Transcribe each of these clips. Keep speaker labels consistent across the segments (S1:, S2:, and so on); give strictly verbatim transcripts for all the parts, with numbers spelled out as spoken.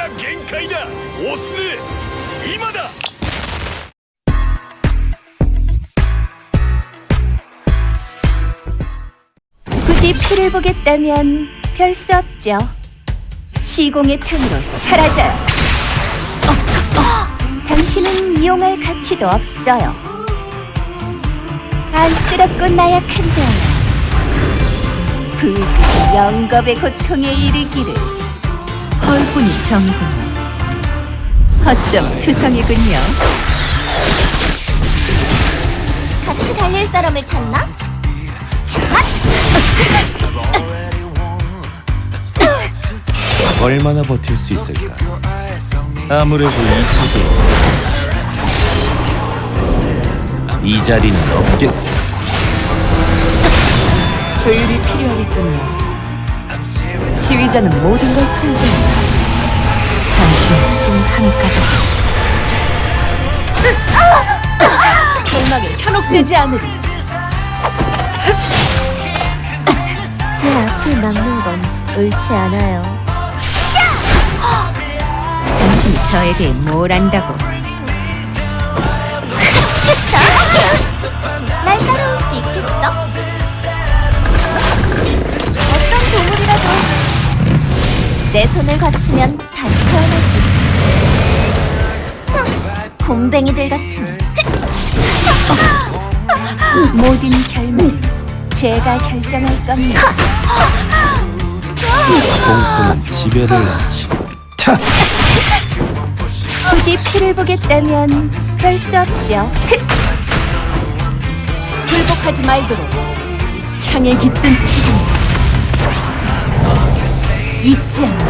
S1: が限界だ。オスネ、今だ。
S2: 굳이 피를 보겠다면 별 수 없죠. 시공의 틈으로 사라져요. 어, 어, 당신은 이용할 가치도 없어요. 안쓰럽고 나약한 자요. 부디 영겁의 고통에 이르기를. 헐뿐이 정이군요. 허점 투성이군요.
S3: 같이 달릴 사람을 찾나?
S4: 얼마나 버틸 수 있을까? 아무래도 이 수도 이 자리는 없겠어.
S2: 조율이 필요하겠군요. 지휘자는 모든 걸 통제하죠. 당신의 심판까지도. 결막에 현혹되지 않으리.
S3: 제 앞을 막는 건 옳지 않아요.
S2: 당신이 저에 대해 뭘 안다고?
S3: 날 따라올 수 있겠어? 어떤 동물이라도 내 손을 거치면 다시 태어나지. 흥, 곰뱅이들 같은.
S2: 모든 결말은 제가 결정할 겁니다.
S4: 공포는 지배를 낳지. 타!
S2: 굳이 피를 보겠다면 별 수 없죠. 굴복하지 말도록 창에 깃든 책임 잊지 않아.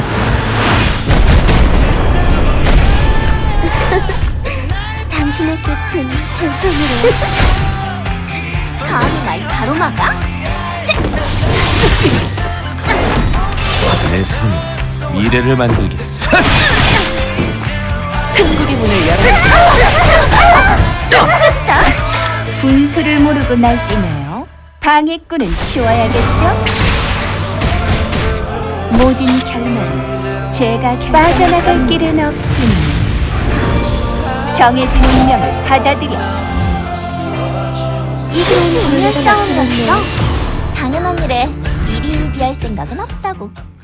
S3: 당신의 끝은 제 손으로. 감히 날 가로막아?
S4: 내 손이 미래를 만들겠어.
S2: 천국의 문을 열어. 분수를 모르고 날뛰네요. 방해꾼은 치워야겠죠? 모든 결말은 제가 결정. 빠져나갈 길은 없으니 정해진 운명을 받아들여.
S3: 이게 동물 싸움이었어? 당연한 일에 일희일비할 생각은 없다고.